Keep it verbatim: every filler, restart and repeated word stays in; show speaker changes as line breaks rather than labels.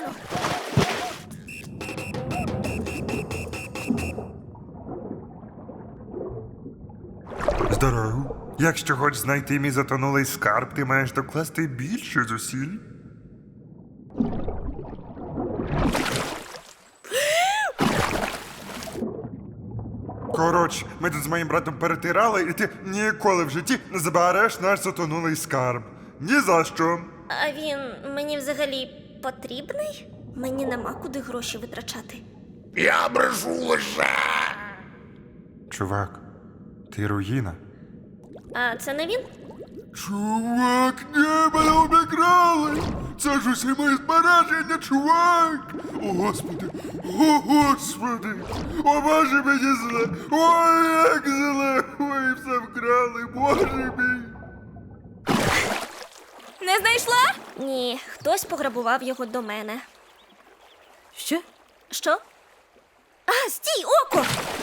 дістану.
Здорово. Якщо хочеш знайти мій затонулий скарб, ти маєш докласти більше зусиль. Коротше, ми тут з моїм братом перетирали, і ти ніколи в житті не забереш наш затонулий скарб. Ні за що.
А він мені взагалі потрібний? Мені нема куди гроші витрачати.
Я брешу лише.
Чувак, ти руїна.
А це не він?
Чувак, ні, мене обікрали! Це ж усі мої збереження, чувак! О, Господи! О, Господи! О, Боже, мені зле! Ой, як зле! Ой, все вкрали, Боже мій!
Не знайшла? Ні, хтось пограбував його до мене.
Що?
Що? А, стій, око!